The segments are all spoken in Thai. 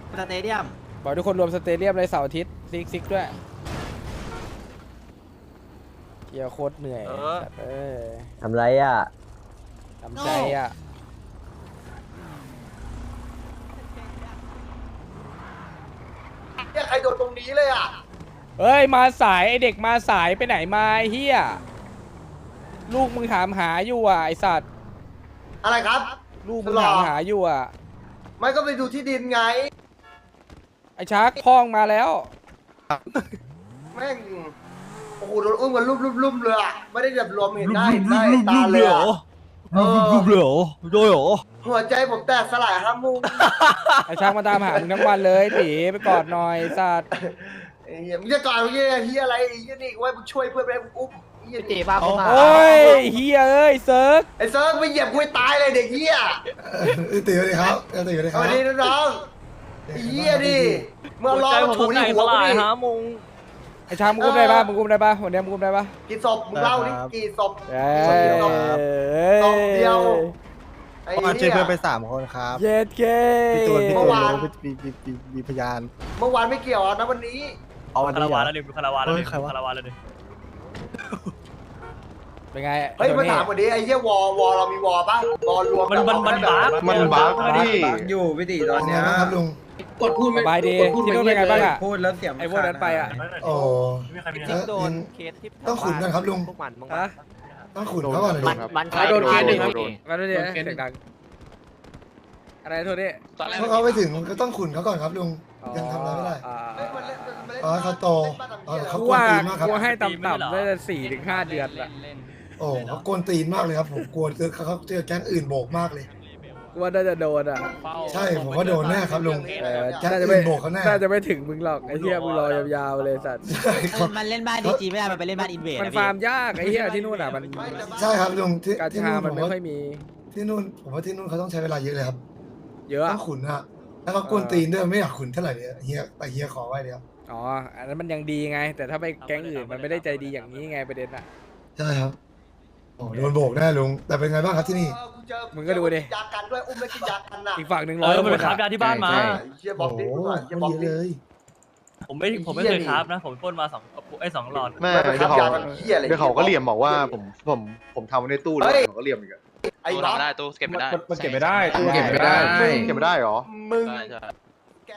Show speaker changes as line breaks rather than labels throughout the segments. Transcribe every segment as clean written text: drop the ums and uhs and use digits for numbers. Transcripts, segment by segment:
สเตเดียม
บอกทุกคนรวมสเตเดียมเลยเสาร์อาทิตย์ซิกด้วยเกียร์โคตรเหนื่อยสัตว์
ทำไรอ่ะ
ทำใจอ่ะ
เนี่ยใครโดนตรงนี้เลยอ่ะ
เฮ้ยมาสายไอเด็กมาสายไปไหนมาไอ้เฮียลูกมึงถามหาอยู่อ่ะไอสัตว์
อะไรครับ
ลูกมึงถามหาอยู่อ่ะ
ไม่ก็ไปดูที่ดินไง
ไอชักพ้องมาแล้ว
แม่งโอ้โหโดนอุ้มกันลุ่มเลยอ่ะไม่ได้แบบรวมเห็นหน้าเห็นตาเลยอ่ะ
รูปเลยเหรอโดยเหรอ
หัวใจผมแตกสลายห้ามุม
ไอชักมาตามหามึงทั้งวันเลยตีไปกอดหน่อยสัตว์
ไอ้เหี้ยมึงจะก่อนมึงเนี่ยเฮียอะไรไอ้เฮียนี่ไว้มึงช่วยเพื่อนไปมึงอุ้มไอ้เฮีย
ตี
นี่
บ้าเข้ามา
โอ้ยเฮียเอ้ยเซิร์ก
ไอ้เซิร์ฟไปเหยียบกูให้ตายเลยเด็กเฮีย
ตีสวัสดีครับตีสวัสดีค
ส
รับ
วัสดีน้องๆไอ้เฮียดิเมื่อรอมาถูที่หัวกูดิ
ไอชักมึงกุ้มได้ปะมึงกุ้มได้ปะวันนี้มึงกุ้มได้ปะ
กี่ศพมึงเล่าดิกี่ศพ
เอ้
ศพเดียว
ย
ศพเดียวไอ้
มา
เฮี
ช่วย
ย
เพื่อนไป3 คนครับ
เย็ดเก้
พี่ตูน
เมื่อวาน
มีพยาน
เมื่อวานไม่เกี่ยวนะวันนี้
เอาวัน
คา
นี้
ราวานแล้วดิคาราวานแล้วดิ
ใครวะ
คาราวานแล้วดิ
เป็นไง
เฮ้ย
ตัว
มา
นี้
ถามวันนี้ไอ้เหี้ยวอเรามีวอป่ะวอรวม
มันบั๊ก
มันบั๊กดิ
อยู่พี่ตีต
ต
อ
อน น
เนี้
นี้
ย
นะครับลุง
กดพูดไม่
สบายดีที่นู่นเป็นไงบ้างอ่ะ
พูดแล้วเสียง
ไอพวกนั้นไปอ่ะ
โอ้
ไม่มีใครมี
เออ
โดนเคสที่
ต้องขุนกันครับลุง
พวกมัน
ฮะ
ต้องขุนเขาก่อนเลยลุง
มัน
โดนเคสหนึ่ง
ครับ
มาด้วยดิเสียงดังอะไรโทษดิ
เพราะเขาไปถึงก็ต้องขุนเขาก่อนครับลุงยังทำอะไรไม่ได้อ๋อเขาโตอ๋อเขา
กู
กวน
ว่า
ตีนมากครับ
กูให้ต่ำๆได้4 ถึง 5 เดือนอะ
โอ้เขากวนตีนมากเลยครับผมกลัวเขาเจอแก๊งอื่นโบกมากเลย
กูว่าน่าจะโดนอ่ะ
ใช่ผมว่าโดนแน่ครับลุง แก๊ง
น่าจะ
อื่
ไม่
นโบกเขาแน่
น่าจะไม่ถึงมึงหรอกไอ้เหี้ยมึงรอยาวๆเลยสัตว์
ใช่ครับ
มันเล่นบ้านดีจีไม่ได้มันไปเล่นบ้านอินเวด
มันฟาร์มยากไอ้เหี้ยที่นู่นอ่ะมัน
ใช่ครับลุงที่
กา
ที่
ชา
นู่น
มั
ผ
น
ม
ไม่
ว่า
ค่อยมี
ที่นู่นผมว่าที่นู่นเขาต้องใช้เวลาเยอะเลยครับ
เยอะ
ต้องขุนอะแล้วเขากวนตีนด้วยไม่อยากขุนเท่าไหร่เนี่ยเฮียแต่เฮียขอไว้เดียว
อ๋ออันนั้นมันยังดีไง แต่ถ้าไปแก๊งอื่นมันไม่ได้ใจดีอย่างนี้ไงประเด็นอ่ะ
ใช่ครับโอ้โดนโบกแน่ลุงแต่เป็นไงบ้างครับที่นี่
มึงก็ดูดิ
ยากันด้วยอุ้มแล้วกินยากันน่ะ
อีกฝั่งหนึ่ง
มันไป
100
คราฟยาที่บ้านมา
เฮียบอกดิ
โอ้
กู
โห
หน่อยเฮีย
มัน
บอก
เยอะ
ดิ
เลย
ผมไม่เคยคราฟนะ ผมพ่นมา2 หลอด
ไม่
ไม่ไป
เดี๋ยว
ทำ
เขา
ยากันเฮียอะไร
เดี๋ยวเขาก็เหลี่ยมบอกว่าผมทำไว้ในตู้แล้วเขาก็เหลี่ยมอีกอะ
ไอ้บ้า
ตู้เก็บไม่ได้
มันเก็บไม่ได้
ตู้เก็บไม่ได้
เก็บไม่ได้เหรอ
มึง
ใช่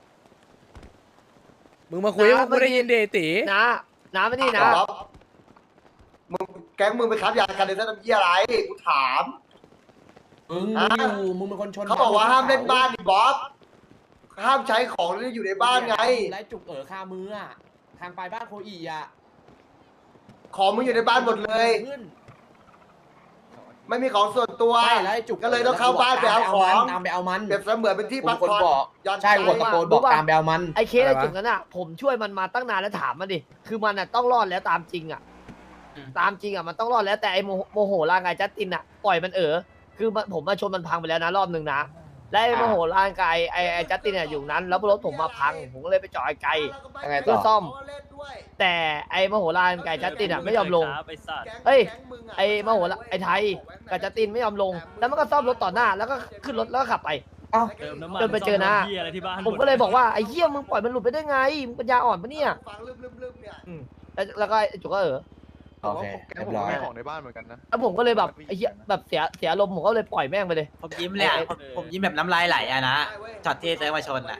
มึงมาคุยว่ากูได้ยินเดตี
น้ำไม่นี่นะ
มึงแก๊งมึงไปคับยากันในสนามเฮียอะไรกูถาม
มึงอยู่มึงเป็นคนชน
เขาบอกว่าห้ามเล่นบ้านดิบ๊อบห้ามใช้ของที่อยู่ในบ้านไง
ไล่จุกคามืออ่ะทางไปบ้านโคอีอ่ะ
ของมึงอยู่ในบ้านหมดเลย ไม่มีของส่วนตัว
ใช่แล้วไอ้จุก
ก็เลยต้องเข้าบ้านไปเอาของ
ตามไปเอามัน
เปรียบเสมือนเป็นที่พัก
คน
ผ่อน
บอก
ย้อน
ใช่กดตะโกนบอกตามไปเอามัน
ไอ้เคสไอ้จุดนั้นอ่ะผมช่วยมันมาตั้งนานแล้วถามมันดิคือมันอ่ะต้องรอดแล้วตามจริงอ่ะตามจริงอ่ะมันต้องรอดแล้วแต่ไอ้โมโหร่างกายจัสตินอ่ะปล่อยมันคือผมมาชนมันพังไปแล้วนะรอบหนึ่งนะและไอ้โมโหร่างกายไอ้จัสตินเนี่ยอยู่นั้นแล้วรถผมมาพังผมก็เลยไปจอดไกล
ยังไงต่
เพื่
อ
อซ่อม แต่ไอ้โมโหร่างกายจัสตินอ่ะไม่ยอมลง
ไอ้สัตว์
เฮ้ย ไอ้โมโหไอ้ไทยกับจัสตินไม่ยอมลง แล้วมันก็ซ่อมรถต่อหน้าแล้วก็ขึ้นรถแล้วก็ขับไป
เติมน้ำมัน
จนไปเจอนะ
เหี้ยอะไรที่บ้าน
ผมก็เลยบอกว่าไอ้เหี้ยมึงปล่อยมันหลุดไปได้ไงมึงปัญญาอ่อนปะเนี่ย
ฟังลืมๆเนี่ย
แล้วก็ไอ้จุกก็
แต่ว่าแกผมก็มีของในบ้านเหมือนกันนะ
แล้วผมก็เลยแบบไอ้เหี้ยแบบเสียอารมณ์ผมก็เลยปล่อยแม่งไปเลย
ผมยิ้มเลยอ่ะผมยิ้มแบบน้ำลายไหลอ่ะนะช็อตที่เซิร์ฟมาชนอ่ะ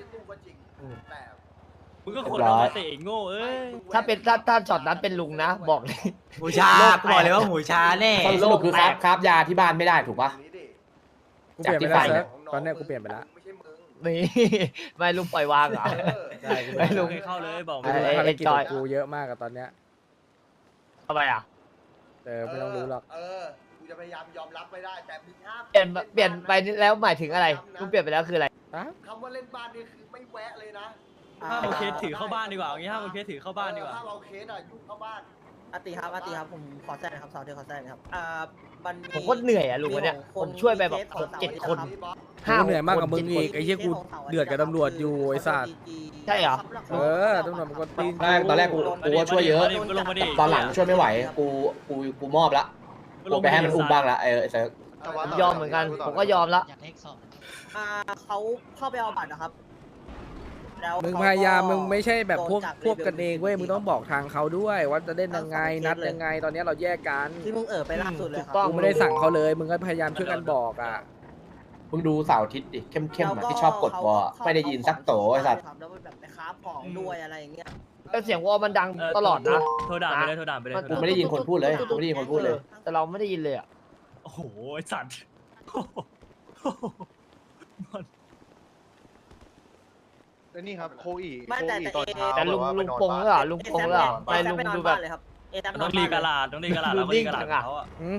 มึงก็คนเอามาเตะโง่เอ้ย
ถ้าเป็นถ้าช็อตนั้นเป็นลุงนะ บอกเลย
หมูชาบอกเลยว่าหมูชาแน่สรุปคือครับยาที่บ้านไม่ได้ถูกปะ
กูเปลี่ยนไปแล้วเซิร์ฟตอนเนี้ยกูเปลี่ยนไปแล้ว
นี่ ไม่ลุงปล่อยวางเหรอ
ใช่กู
ไม่ลุง
ให้เข้าเลยบอก
ไอ้ภารกิจของกูเยอะมากอะตอนเนี้ย
ทำไมอ่ะ
ไม่ต้องรู้หรอก
กูจะพยายามยอมรับไม่ได้แต่มึงห้าม
เปลี่ยนไปแล้วหมายถึงอะไรลุงเปลี่ยนไปแล้วคืออะไร
คำว่าเล่นบ้านนี่คือไม่แวะเลยนะ
ห้ามเอาเคสถือเข้าบ้านดีกว่าอย่างงี้ห้ามเอาเคสถือเข้าบ้านดีกว่า
ถ้าเราเคสอ่ะยุ่งเข้าบ้าน
อาติครับผมขอแทรกนะครับสาวเดียวขอแทรกนะครับมัน
ผมก็เหนื่อยอ่ะลุงวันเนี้ยผมช่วยไปแบบ6-7 คน
กูเหนื่อยมากกับมึงอีกไอ้เหี้ยกูเดือดกับตำรวจอยู่ไอ้สัตว์
ใช่เหรอ
ตำรวจมันก็ตีน
ตอนแรกกูก็ช่วยเยอะ
ก็ลงมาดิ
ตอนหลังช่วยไม่ไหวกูมอบละกูไปให้มันอุ้มบ้างละเซิร์ฟ
ยอมเหมือนกันผมก็ยอมละ
เขาเข้าไปเอาบัตรนะครับ
มึงพยายามมึงไม่ใช่แบบพวกกันเองเว้ยมึงต้องบอกทางเขาด้วยว่าจะเล่นยังไงนัดยังไงตอนนี้เราแยกกัน
ที่มึงไปล่าสุดเลย
ถูกต้อง
กูไม่ได้สั่งเขาเลยมึงก็พยายามช่วยกันบอกอ่ะ
มึงดูเสาร์อาทิตย์ดิเข้มๆอะที่ชอบกดวอลไม่ได้ยินสักโตไอ้สัตว์
แล้วแบบไปค้าของด้วยอะไรอย่างเงี้ย
แล้วเสียงวอลมันดังตลอดนะ
โทรด่าไปเลยโทรด่าไปเลย
กูไม่ได้ยินคนพูดเลยกูไม่ได้ยินคนพูดเลย
แต่เราไม่ได้ยินเลยอ่ะ
โอ้โหไอ้สัตว์
แล้วนี่ครับโคอี
ไม่แต่
ตอนเช้า
แต่ลุง
แบบว่า
ลุง
ไปนอน
ปง
บ้าน
เหรอลุงปงเหรอไม่ลุงดูแบบ
ต้องรีกระลาดต้องรีกระลาดแล้วก็รีกระลาดเขาอะ
อืม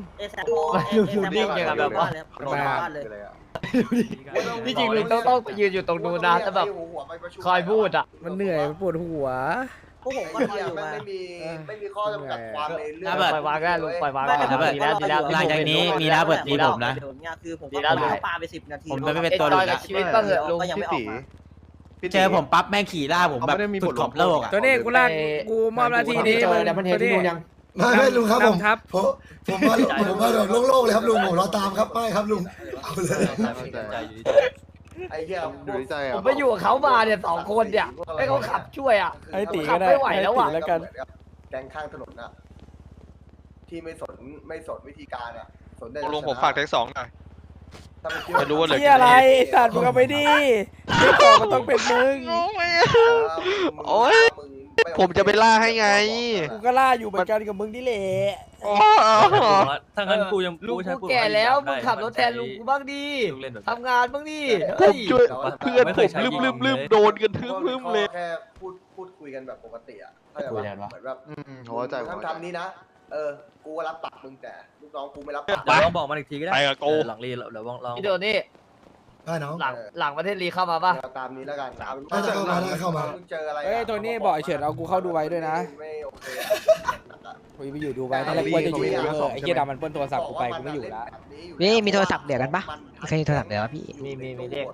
เลยอะ
ที่จริงลุงต้องไปยืนอยู่ตรงนู้นนะแต่แบบคอยพูดอ่ะ
มันเหนื่อยมันปวดหัว
พวกผมก็คอยอยู่
ไม่มีข้อจำกัดความในเรื่อง
ปล่อยวางได้ลุงปล่อยวางได้
ดีแล้วดีแล้ว
หลังจากนี้มีระเบิดตีผมนะ
คือผมก็ปาไป10 นาที
ผมจะไม่เป็นตัวลุงกับชีวิตบ้างเหรอลุง
ก็ยังไม่ออกมา
เจอผมปั๊บแม่งขี่ล่าผมแบบสุดขอบโลก
ตัวนี้กูลากกูมอบหน้าที่นี้
เจอแต่มันเห็นที่นู่นยัง
ไม่ลุงครับผม
นำทัพ
ผมมาแบบโล่งๆเลยครับลุงผมรอตามครับไม่ครับลุงเอาเลย
ไอ้เหี้ย
อยู่ในใจ
ผ
อ่ะ
มไปอยู่กับเขามาเนี่ย2 คนเนี่ยให้เขาขับช่วยอ่ะ
ไอ้ตี
ขั
ก็
บ
ได้
ไม่ไหวแล้ว
ไอ้
อ่ะ
ตีแล้วกัน
แกงข้างถนนน่ะที่ไม่สนวิธีการอ่ะสนได้
ลุงผมฝากเทค2หน่อย
ถ้ามันคิด
จะรู้ว่าเหลือ
ที่อะไรสัตว์มึงเอาไปดิที่ของมันต้องเป็นมึง
โอ๊ย ผมจะไปล่าให้ไง
กูก็ล่าอยู่เหมือนกันกับมึงนี่แหละ
อ๋อ
ถ้างั้นกูยัง
ลุง
ใช้
กูแก่แล้วมึงขับรถแทนลุงกูบ้างดิ
ลุงเล่นแบบ
ทำงานบ้างดิ
ผมช่วย
แต่ว่า
เพื่อนผมลืมโดนกันทึมเลย
แค่พูดคุยกันแบบปกติอ่ะเข้าใจ
คุย
ปะ
กันวะ
เหมือนแบบ
หัวใจ
ทำนี้นะกูก็รับปากมึงแต่ลูกน้องกูไม่รับ
เดี๋
ปาก
ยวลองบอกมันอีกทีก็ได้
ไปกับกู
หลังรีเดี๋ยวลอง
พี่โดนี่
ได้น้อง
หลังประเทศลีเข้ามาป่ะ
ตามนี้แล้วกัน
ได้เข้ามา
มึงเจออะไร
เฮ้ยโทนี่บอกไอ้เฉินเอากูเข้าดูไว้ด้วยนะ
ไม่โอเค
กูไปอยู่ดูไว้ตอนแรกกูว่าจะอยู่ไอ้เหี้ยดำมันเปิ้ลโทรศัพท์กูไปกูไม่อยู่แล้ว
นี่มีโทรศัพท์เดี๋ยวกันปะเคยมีโทรศัพท์เดี๋ยวพี่
มีเลข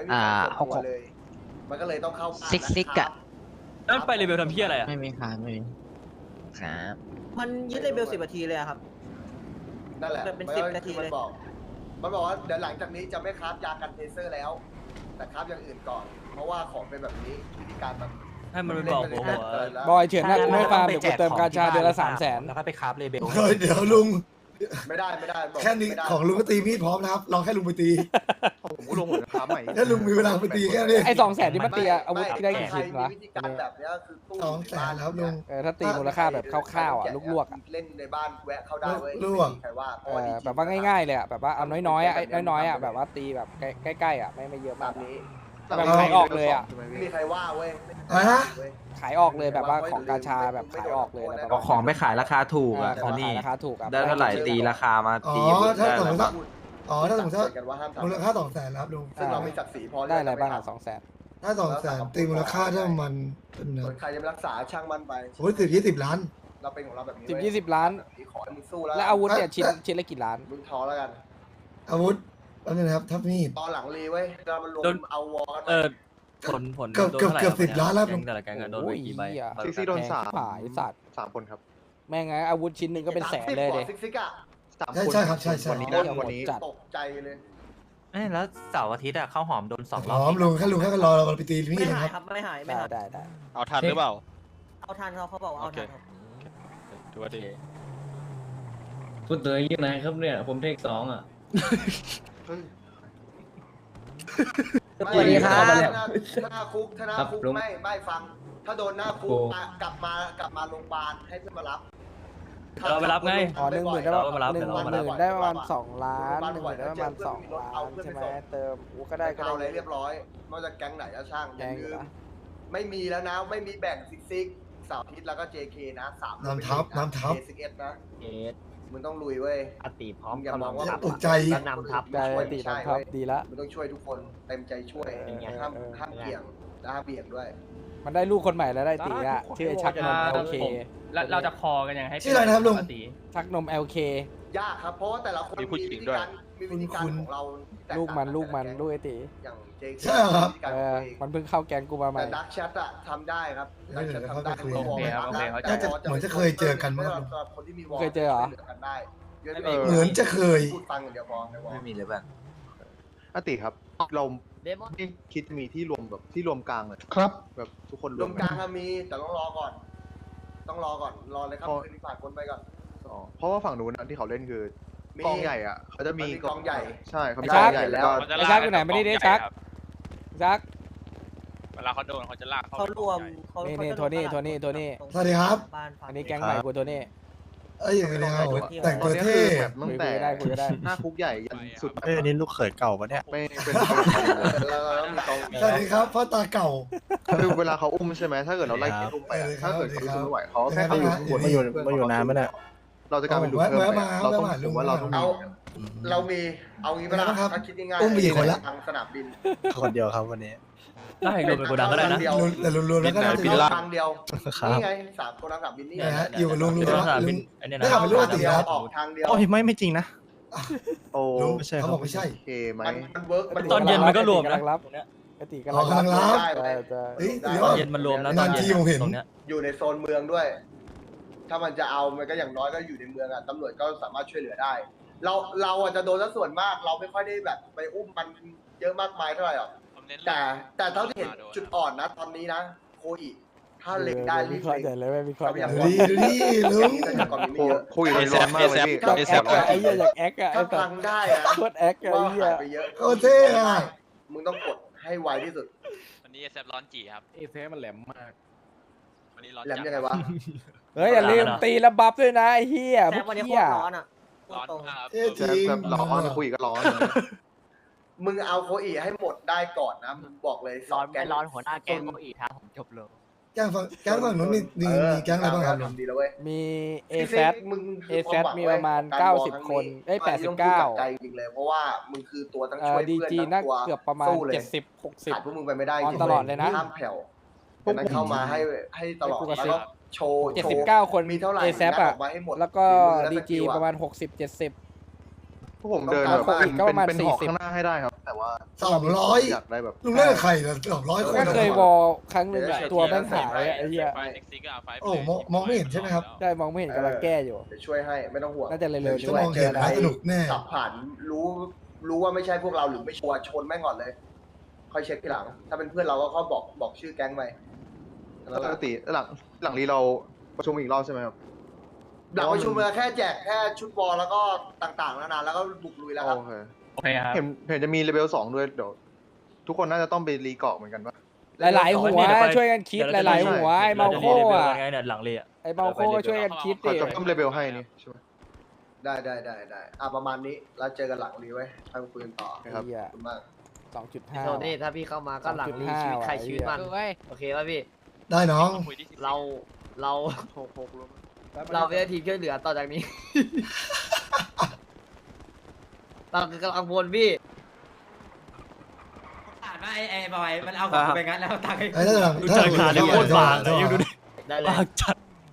มันก็เลยต้องเข้า
ซิกอะ
นั่นไปรีวิวทำเพี้ยอะไรอ่ะ
ไม่มีครับไม่มีครับมันยึดเลเบล10 นาทีเลยครับ
นั่นแหละ
เป็น10 นาทีเลย
มันบอกว่าเดี๋ยวหลังจากนี้จะไม่คราฟยากันเทเซอร์แล้ว แต่คราฟอย่างอื่นก่อน เพราะว่าของเป็นแบบนี้วิธีการมัน
ให้มันไปบอกผมว่า
บอยเฉินนะกูไม่ฟาร์มเดี๋ยวกูเติมกาชาเดือนละ300,000
แล้วก็ไปคราฟเลเบล
เดี๋ยวลุง
ไม่ได้บอก
แค่นี้ของลุงก็ตีมีดพร้อมนะครับลองแค่ลุงไปตี
ผมก็ลงหัวนะครับใหม่
แค่ลุงมีเวลาไปตีแค่นี้
ไอ้200,000ที่มันตีอาวุธที่ได้กี่ชิ้นวะ
วิธีการแบบนี้คือตู้
200,000แล้วลุง
ถ้าตีมูลค่าแบบคร่าวๆอ่ะลวกๆอ่ะ
เล่นในบ้านแวะเข้าได้เว้ย
ลวก
ใครว่า
แบบว่าง่ายๆเลยอ่ะแบบว่าเอาน้อยๆอ่ะน้อยๆอ่ะแบบว่าตีแบบใกล้ๆอ่ะไม่เยอะ
แบ
มาก
บนี้
แบบขายออกเลยอ่ะ
ไม่มีใครว่าเว้ย
อะไรนะ
ขายออกเลยแบบว่าของกาชาแบบขายออกเลยแล้วแบบ
เอาของไปขายราคาถูกอ่ะ
ของขายราคาถูกอ่ะ
ได้เท่าไหร่ตีราคามา
อ๋อ
ตี
ถ้าสมมติว่าอ๋อถ้าสมมติว่า
กันว่าห้าม
มูล
ทำ
ค่า200,000แล้วลุง
ซึ่งเรามีศักดิ์ศรีพอ
ได้อะไรบ้างอ่ะ200,000
ถ้า200,000ตีมูลค่าถ้ามันเป็น
ส่วนใครจะไปรักษาช่างมันไป
โอ้ย10-20 ล้าน
เราเป็นของเราแบบนี้
10-20 ล้าน
ขอให้มึงสู้แล้ว
แล้วอาวุธเนี่ยชิ้นละกี่ล้าน
มึงท้อแล้วกัน
อาวุธแล้วนะครับทับมีด
ตอนหลังรีเว้ยเรามันรวมเอาวอลกัน
ผล
เกือบ10 ล้านแล้ว
แกงแต่ละแกงโดนไปกี่ใบ
ซิกซี่โดน
ขายสัตว์
3 คนครับ
แม่งไงอาวุธชิ้นหนึ่งก็เป็นแสนเลยเด็
ซิกอะ
3
ใช่
คน
ใช่ครับใช่
วันนี้นะวันนี้
ตกใจเลย
แล้วเสาร์อาทิตย์อะข้าวหอมโดน2
หอมลุงแค่รอเราไปตีมีด
ไม่
นะ
หาย
ค
ครับ รับไม่หายไม่
ได้
หาย
ได้
เอาทันหรือเปล่า
เอาทันเขาบอกว่าเอาทันครับ
ถือว่าดี
พูดตัวเองนะครับเนี่ยผมเทค2อ่ะ
สวัสดีครับ
ถ้าหน้าคุกไม่ฟัง ถ้าโดนหน้าคุกกลับมาโรงพยาบาลให้เพื่อนมารับ
เราไปรับไง
อ๋อ10,000ได้ประมาณ
เดี๋ยวเรามารับ
10,000ได้ประมาณ2 ล้าน10,000ได้ประมาณ2 ล้านใช่ไหมเติมก็ได้
เอาอะไรเรียบร้อยไม่ว่าจะแก๊งไหนก็ช่างอย่าลืมไม่มีแล้วนะไม่มีแบ่งซิกเสาร์อาทิตย์แล้วก็ JK นะ3
น้ำทับ
11นะ
เอส
มึงต้องลุยเว้ย
อติพร้อม
อย่ามองว่า
ตกใจ
ก็นำทับ
ได้ตีทำครับดีละ
มึงต้องช่วยทุกคนเต็มใจช่วยห้ามเกี่ยงและห้ามเบี่ยงด้วย
มันได้ลูกคนใหม่แล้วได้ตีอ่ะชื่อชักนม LK
แล้วเราจะคอกันยังไงให้
ชื่ออะไรนะครับลุง
ชักนม LK
ยากครับเพราะว่าแต่ละคนมีวิธีการของเรา
ลูกมันลูกไอตี
อย่าง JK
ใช่เหรอครับ
มันเพิ่งเข้าแก๊งกูมาใหม่
แต่ดักแชทอะทำได้ครับดักแชททำได้
น่าจะเหมือนจะเคยเจอกันมั้งครับ
คนที่มีวอล
เคยเจอเหรอ
กันได้
เหมือนจะเคย
พูดฟังอย่างเดียวพอในวอล
ไม่มีเลยบ้าง
อติครับ เรา
มอน
นี่คิดมีที่รวมแบบที่รวมกลางเลย
ครับ
แบบทุกคน
รวมกลางอะมีแต่ต้องรอก่อน ต้องรอก่อนรอเลยครับคืนนี้ผ่านคนไปก่อน
อ๋อเพราะว่าฝั่งนู้นนะที่เขาเล่นคือ
มี
กองใหญ่อ่ะเขาจะมี
มันมีกองใหญ่
ใช่เขามี
ไอ้
ก
ชั
อก งใหญ่แล้วก็
ไอ้ชักอยู่ไหนไม่ได้ดิชักชัก
เวลาเขาโดนเขาจะลาก
เขารวมเขา
นี่
เขาจะ
โทนี่
รวม
สวัสดีครับ
บ้านฝั่
อันนี้แก๊งใหม่กูโทนี่
เอ้ยอย่างนี้ครับแต่ง
ต
ตั
อน
ว
นี้
เท่
คือแบบตั้งแต่
คุยได้คุยได้
หน้าคุกใหญ่ยันสุด
เอ้ยอันนี้ลูกเขยเก่าปะเนี่ย
ไม่เป็น
แล้วก็มีกอง
สวัสดีครับพ่อตาเก่า
คือเวลาเขาอุ้มใช่ไหมถ้าเกิดเราไล่เกมอุ้มไปอะถ้าเกิดเขารู้สึกไม่ไหวเขาแค่
เอา
เขา
อยู่
มาอยู่นานไหมเนี่ย
เราจะกลายเป็นลูกเพิ่มไปเราต้องผมว่าเราต้อง
เอาเรามีเอางี้ไหมล่ะ
ครับ
ถ้าคิดง่ายๆ
อุ้มไปกี่คนละ
ทางสนามบิน
คนเดียวครับวันนี้
ได้รวมเป็นโกดังก็ได้นะ
เดียว
แต่รวมๆแล้วก็น่าจะ
บิ
เย
น
อะ
ทางเดียว
ครับ
นี่ไง3คนทางสนามบินนี่ไง
นะฮะอยู่กับลุง
เป็น
ใช่ไหม
สนามบิ
ลุ
น
ง
อันเนี้ย
ได้
นะ
ข่าวเป็นลูก
ทาง
ติ
เดียว
ครับ
ออกทางเดียว
โอ้ยไม่จริงนะ
โอ้
ลุง
ไม่ใช่
เขาบอกไม่ใช่
โอเคไหม
มันเวิร์กมัน
ตอนเย็นมันก็รวมนะ
กำลังรับ
ตรงเนี้ย
กติ
อ๋อกำลังรับ
ใช่ใช่
เฮ้ย
ได้
เดี๋ยว
ตอนเย็นมันรวมนะตอนเย็น
นานทีผมเห็น
ตรงเนี้ย
อยู่ในโซนเมืองด้วย ถ้ามันจะเอามันก็อย่างน้อยก็อยู่ในเมืองอ่ะตำรวจก็สามารถช่วยเหลือได้ เราอาจจะโดนซะส่วนมาก เราไม่ค่อยได้แบบไปอุ้มมันเยอะมากมายเท่าไหร่หรอกแต่เท่าที่เห็นจุดอ่อนนะตอนนี้นะโคอิถ้าเล็งได้รี
วิ
บ
เคราะห์
เล็
ใหญ่
ง
เลยไม่วิเคราะห์ใหญ่
ดูดิดูดิลุง
แต่ก่อนมีไม่เยอะ
คุยกันร้อนมากเลยพี่
อยากแอคอะไอ้เหี้ยอยากแอคอะไอ้
ถ้า
สั
พั
ส
งได้นะ
โคตรแอคอะ
ว่า
ไอ้เหี้ย
หายไปเยอะ
โคตรเท่อะ
มึงต้องกดให้ไวที่สุด
วันนี้เซฟร้อนจีครับ
เอเซมันแหลมมาก
วันนี้ร้อน
แหลมยังไงวะ
เฮ้ยอย่าลืมตีแล้วบัฟด้วยนะไอ้เหี้ยพ
แต่
วก
วันนี้โค
เหี้ย
ตรร้อนอ่ะพูด
ร้อน
ตรง
มากครับ
เท่จริง
แบบร้อนคุยก็ร้อน
มึงเอาโคอิให้หมดได้ก่อนนะมึงบอกเลย
ร้อน
แก๊
ไม่
ง
ร้อนหัวหน้าแก๊งโกอีท้าผมจบเลย
แก๊งฝั่งนู้นมีแก๊งอะไรบ้างครับลุง
ทำดีแล้วเว้ย
มีเอ
พี่
แซ
ฟิ
ด
กมึง
เอ
คือ
แซ
ความ
ด
หวัง
มี
เว้
ป
ย
ระมาณ
ของกร
90 คนเอ้ย
อันนี้ต้องพูดจากใจ
89
จริงเลย เพราะว่ามึงคือตัวทั้ง
เอ่
ช่
อ
วย
ดี
เพื่อน
จี
ทั้ง
น่า
ตัว
เกือบประมาณ
สู้เลย
70
ขาดพวกมึงไปไม่ได้จ
ออน
ริง
ตลอดเลยนะ
ห้ามแผ่วดังนั้นเข้ามาให้ตลอด
ให้กูกระ
แล้ว
ซิบ
ก็โชว์
60
โชว์
79 คน
มีเท่าไหร่
เอแซ
งัด
อะ
ออกมาให้หมด
แล้วก็
ฝีมือ
ดี
และส
จี
กิล
ประมาณ 60-70
พวกผมเดินแบบ
ต้องการ
เป็น
ประมาณ
เป็นหอก
40
ข้างหน้าให้ได้ครับ แต่ว่า
200
อยากได้แบบ
ลุงเล่นกับใครเหรอ200 คน
ก็เคยว
อ
อลครั้งหนึ่งอะตัวแม่งหายอะไอ้เหี้ย
โอ้มองไม่เห็นใช่ไหมครับ
ได้มองไม่เห็นกำลังแก้อยู่
เดี๋ยวช่วยให้ไม่ต้องห่วง
น่าจะเร็วๆ
จะมองเห็นนะสนุกแน่
ขับผ่านรู้ว่าไม่ใช่พวกเราหรือไม่ชัวร์ชนแม่งก่อนเลย ค่อยเช็คทีหลัง ถ้าเป็นเพื่อนเราก็เขาบอกชื่อแก๊งไป
ปกติหลังรีเราประชุมอีกรอบใช่ไหมครับ
หลังประชุมเราแค่แจกแค่ชุดบอลแล้วก็ต่างๆนานาแล้วก็บุกลุยแล้วครับ
โอเค
โอเคครับ
เห็นจะมีเลเวล2ด้วยเดี๋ยวทุกคนน่าจะต้องไปรีเกาะเหมือนกันปะ
หลายๆหัวช่วยกันคิดหลายๆหัวไอ้เมาโคอะ
ไงเนี่ยหลังเลยอ่ะ
ไอ้เมาโคก็ช่วยกันคิด
เขา
ดิ
จะเพิ่มเลเวลให้นี่ใช่ไหม
ได้ประมาณนี้แล้วเจอกันหลังรีไว้ทางปืนต่อ
ครับ
เหี้ย
ขอบคุณมาก
2.5
โทนี่ถ้าพี่เข้ามาก็หลังรีชีวิตใครชีวิตมันโอเคป่ะพี่
ได้น้อง
เราเป็นทีมช่วยเหลือต่อจากนี้ เราคือกำลังพลพี่
อ่านว่าไอ้บอยมันเอาของไปงั้นแล้วตังค์ให้
ไอ้ถ้าหลัง
ดูใจขาดเลยโคตรบางเลยยังดูดิ
ได้เลย
บางจัด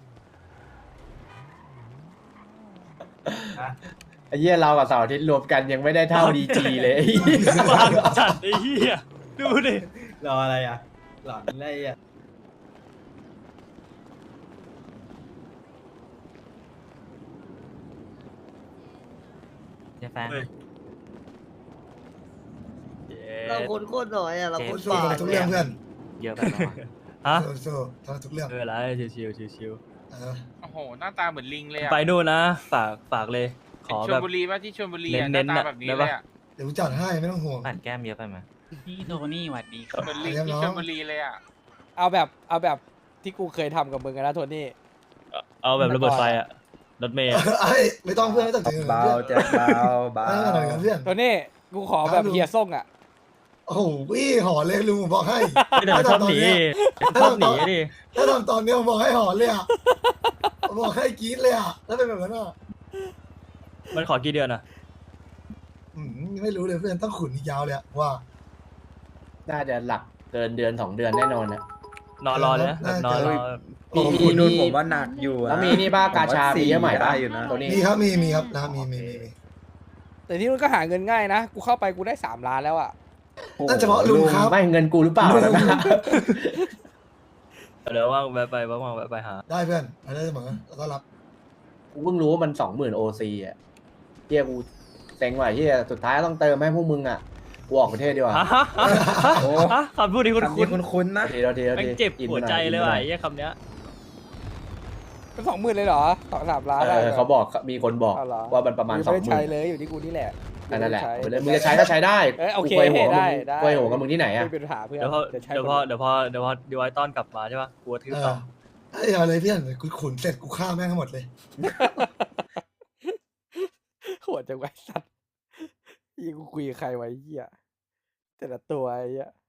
ไอ้เหี้ยเรากับเสาร์อาทิตย์รวมกันยังไม่ได้เท่าดีจีเลย
บางจัดไอ้เหี้ยดูดิ
รออะไรอ่ะหลอนอะไรอ่ะ
แฟน
เราคนโคตรหน่อยอ่ะเราคน
สู้
ป่า
ๆทุกเรื่องเพื่อน
เยอะไปแล้วฮะ
สู้ๆทำทุกเรื่อง
เออไรชิวชิว
เออ
โอ้โห หน้าตาเหมือนลิงเลยอะ
ไปนู่นนะฝากเลย ขอ
ช
แบ
ล
บ
บุรีป่ะที่ชลบุรีอะห
เน้
น้าน
ๆ
ตา
อะ
แบบนี้
ได้
เล
ปะ
ยอะ
เดี๋ยวจัดให้ไม่ต้องห่วง
ปั่นแก้มเยอะไปไหม
พี่โทนี่หวัดดีครับ
เหมือนลิง
เรียบร้
ที่
อย
ชลบุรีเลยอะ
เอาแบบที่กูเคยทำกับมึงอะนะโทนี่
เอาแบบระเบิดไฟอะรถเมย์อะ
ไอ้ไม่ต้องเพื่อนไม่ต้องถึง
เบา
เพื่อน
แจ็คเบาเบา
ไม่ต้องถึงเพื่อน
โทนี่กูขอแบบเฮียส่งอะ
โอ้โหพี่ห่อเลยลุงผมบอกให้
ไม่เดี๋ยวชอบหนีชอบหนีดิ
ถ้าทำตอนนี้ผมบอกให้ห่อเลยอ่ะผมบอกให้กรี๊ดเลยอ่ะแล้วเป็นแบบนั้นอ่ะ
มันขอกี่เดือนอะ
ไม่รู้เลยเพื่อนต้องขุนอีกยาวเลยอะว่า
น่าจะหลักเกินเดือน2 เดือนแน่นอนนะ
นอนรอเลยนะแบบนอนรอ
มีนู่นผมว่าหนักอยู่แล้วมีนี่บ้ากาชามีเยอะใหม่ได้อยู่นะตัวนี้
มีครับมีครับนะมี
แต่ที่นู่นก็หาเงินง่ายนะกูเข้าไปกูได้3 ล้านแล้วอะ
นั่นเฉพาะลุงครับ
ไม่เงินกูหรือเปล่านะ
เดี๋ยวว่างแวะไปว่างแวะไปหา
ได้เพื่อนได้เสมอแล้วก็รับ
กูเพิ่งรู้ว่ามัน 20,000 OC อ่ะเฮียกูเซ็งว่ะเฮียสุดท้ายต้องเติมให้พวกมึงอ่ะกูออกประเทศดีกว่า โอ้
คำพูดนี้คุ้นๆนะ
ทีที
แม่งเจ็บหัวใจเลยว่ะไอ้เหี้ยคำเนี้ย
เป็น20,000เลยเหรอ2-3 ล้านได้
เขาบอกมีคนบอก
เอาเหรอ
ว่ามันประมาณ
กูไม่ได้ใช้
20,000
เลยอยู่ที่กูนี่แหละ
นั่นแหละ
ไม่
เอาไป
ได้
เลยมึงจะใช้ก็ใช้ได้
โอเค
กูยหัวกับมึง
ได้
กูยหัวกับมึงที่ไหนอะ
ไม่เป็นปัญหาเพื่อน
เดี๋ยวพอ
จะใช้
เดี๋ยวพอเดี๋ยวพอเดี๋ยวพอดีไว้ต้อนกลับมาใช่ป่ะกลัวทืบต่อ
ไอ้เอาเลยเพื่อนเดี๋ยวกูขุนเสร็จกูฆ่าแม่งทั้งหมดเลย
โหดจังไวะไอ้สัตว์ยี่กูคุยกับใครไว้เหี้ยแต่ละตัวไอ้เหี้ย